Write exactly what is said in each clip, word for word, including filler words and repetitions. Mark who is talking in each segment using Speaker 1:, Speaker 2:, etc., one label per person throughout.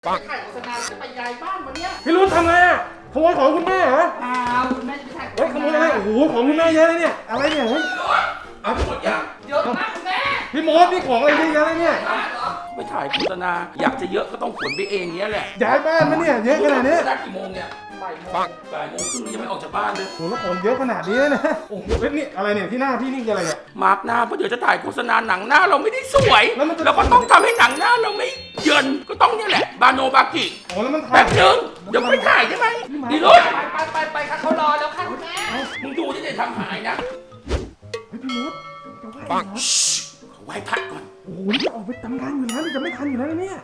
Speaker 1: ปังถ่ายโฆษณาจะไปย้ายบ้านวันเนี้ย
Speaker 2: พี่รุ่นทำไงอ่ะขโมยของคุณแม่เหรอ
Speaker 1: อ้าวคุณแม่จะไปถ่ายโฆษณา
Speaker 2: เฮ้ยขโมยอะไรโอ้โหของคุณแม่เยอะเลยเนี่ยอะไรเนี่ยเฮ้ย
Speaker 3: เอาหมดยัง
Speaker 1: เยอะมากคุณแม่
Speaker 2: พี่มดนี่ของอะไรเยอะแยะเลยเนี่ย
Speaker 3: ไปถ่ายโฆษณาอยากจะเยอะก็ต้องขนไปเองเนี้ยแหละ
Speaker 2: ย้ายบ้านมาเนี่ยเยอะขนาดนี้
Speaker 3: ได้กี่โมงเนี่ย
Speaker 1: บ่ายโมง
Speaker 3: บ่ายโมงครึ่งยังไม่ออกจากบ้านเลย
Speaker 2: โอ้โหแล้วของเยอะขนาดนี้เลยนะโอ้โหเฮ้ยนี่อะไรเนี่ยที่หน้าพี่นี่คืออะไรเนี่ย
Speaker 3: มาร์กหน้าเพราะเดี๋ยวจะถ่ายโฆษณาหนังหน้าเราไม่ได้สวย
Speaker 2: แล้วมันจะ
Speaker 3: เราก็ต้องทำให้หนังหน้าเราไม่เยินก็ต้องเนี่ยแหละบาโนบากิ
Speaker 2: โอ้แล้วมันถ่า
Speaker 3: แป๊
Speaker 2: ย
Speaker 3: บนึงเดี๋ยวไปถ่ายใช่ไหมดีรถ
Speaker 1: ไปไปไปไปค่ะเขารอแล้วค่ะคุณแม่
Speaker 3: มึงดูที่จะทำหายนะ
Speaker 2: เฮ้ยพี่มดจะไหว
Speaker 3: ปัง
Speaker 2: เหรอ
Speaker 3: ไหว้พระก่อน
Speaker 2: โอ้โหนี่จะออกไปทำงานอยู่แล้วนี่จะไม่ทันอยู่แล้วนะเนี่ย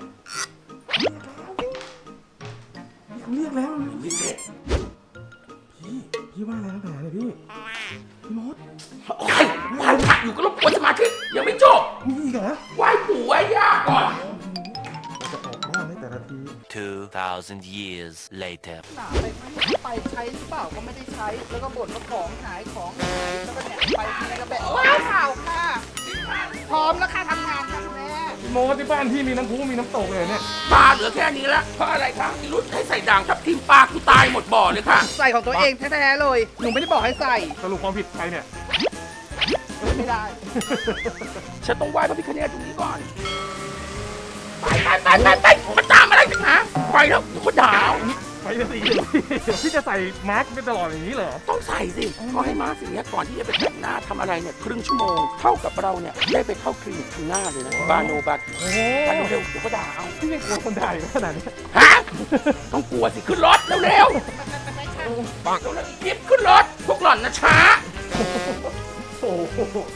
Speaker 2: เขาเรียกแล้วนี่
Speaker 3: พิเศษ
Speaker 2: พี่พี่ว่าอะไรตั้งแต่เนี่ยพี่พี่มด
Speaker 3: โอ้ยไหว้พระอยู่ก็รบกวนสมาธิยังไม่จบ
Speaker 2: มีอีกเหรอ
Speaker 3: ไหว้ปู่ไหว้ย่าก่อน
Speaker 2: เราจะออกบ้านในแต่ละที
Speaker 4: Two thousand years later.
Speaker 1: หนาไปไหมไปใช้หรือเปล่าก็ไม่ได้ใช้แล้วก็บ่นว่าของหายของหายแล้วก็เนี่ยไปที่ไหนก็แบบว้าวเปล่าค่ะพร้อมแล้วค่ะทำงานค่ะคุณแม่
Speaker 2: พี่มดที่บ้านพี่มีน้ำพุมีน้ำตกเลยเนี่ย
Speaker 3: ปลาเหลือแค่นี้แล้วเพราะอะไรครับที่รุ่นให้ใส่ด่างทับทิมปลากูตายหมดบ่อเลยค่ะ
Speaker 1: ใส่ของตัวเองแท้ๆเลยหนูไม่ได้บอกให้ใส่
Speaker 2: สรุปความผิดใครเนี่ย
Speaker 1: ไม่ได้
Speaker 3: ฉันต้องไหว้พระพิฆเนศตรงนี้ก่อน ไปไปไปไปไปมันตามอะไรกันนะไปแล้วเดี๋ยวเขาด่าเอา
Speaker 2: ไปจะตีพี่จะใส่มาร์กไปตลอดอย่างนี้เหรอ
Speaker 3: ต้องใส่สิเขาให้มาสิ่งนี้ก่อนที่จะไปแต่งหน้าทำอะไรเนี่ยครึ่งชั่วโมงเท่ากับเราเนี่ยได้ไปเข้าคลินิกทางหน้าเลยนะบาโนบัต
Speaker 2: โอ้โห
Speaker 3: ไปเร็วๆเดี๋ยวเขาด่าเอา
Speaker 2: พี่ยังกลัวคนด่าอยู่ขนาดนี้
Speaker 3: ฮะต้องกลัวสิขึ้นรถเร็วๆปังแล้วรีบขึ้นรถพวกหล่อนนะช้า
Speaker 2: โอ้โห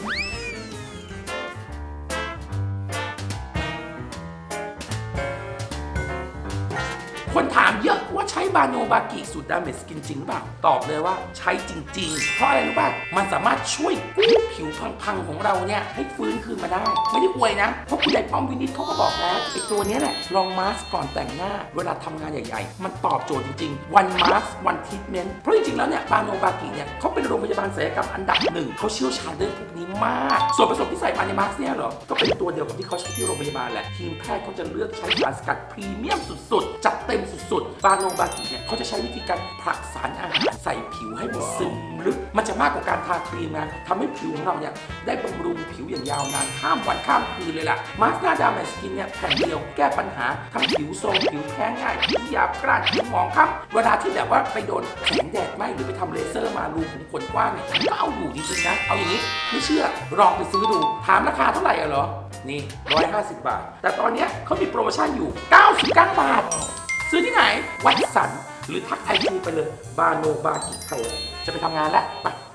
Speaker 3: คนถามเยอะว่าใช้บาโนบากิสูตรดาเมจสกินจริงหรือเปล่าตอบเลยว่าใช้จริงๆ เพราะอะไรรู้ป่ะมันสามารถช่วยกู้ผิวพังๆของเราเนี่ยให้ฟื้นคืนมาได้ ไม่ได้อวยนะ เพราะคุณนายป้อมวินิจเขาก็บอกแล้วไอ้ตัวนี้แหละลองมาสก่อนแต่งหน้า เวลาทำงานใหญ่ๆ มันตอบโจทย์จริงๆ วันมาสวันทรีทเมนต์เพราะจริงๆแล้วเนี่ยบาโนบากิเนี่ยเขาเป็นโรงพยาบาลศัลยกรรมอันดับหนึ่งเขาเชี่ยวชาญเรื่องพวกนี้มาก ส่วนผสมที่ใส่มาในมาสเนี่ยเหรอก็เป็นตัวเดียวกับที่เขาใช้ที่โรงพยาบาลแหละทีมแพทย์เขาจะเลือกใช้สารสกัดพรีเมียมสุดๆจัดเต็มสุดๆบาโนบากิเนี่ยเขาจะใช้วิธีการผลักสารอาหารใส่ผิวให้มันซึมลึกมันจะมากกว่าการทาครีมนะทำให้ผิวของเราเนี่ยได้บำรุงผิวอย่างยาวนานข้ามวันข้ามคืนเลยล่ะมาสก์หน้าดามแมสกินเนี่ยแผ่นเดียวแก้ปัญหาทั้งผิวโทรมผิวแพ้ง่ายผิวหยาบกร้านผิวหมองคล้ำเวลาที่แบบว่าไปโดนแสงแดดไหมหรือไปทำเลเซอร์มารูขุมขนกว้างเนี่ยก็เอาอยู่จริงๆนะเอาอย่างนี้ไม่เชื่อลองไปซื้อดูถามราคาเท่าไหร่อะเหรอนี่หนึ่งร้อยห้าสิบบาทแต่ตอนเนี้ยเขามีโปรโมชั่นอยู่เก้าสิบเก้าบาทซื้อที่ไหนวัดสันหรือทักไอจีไปเลยบาโนบากิไทยจะไปทำงานแล้วไป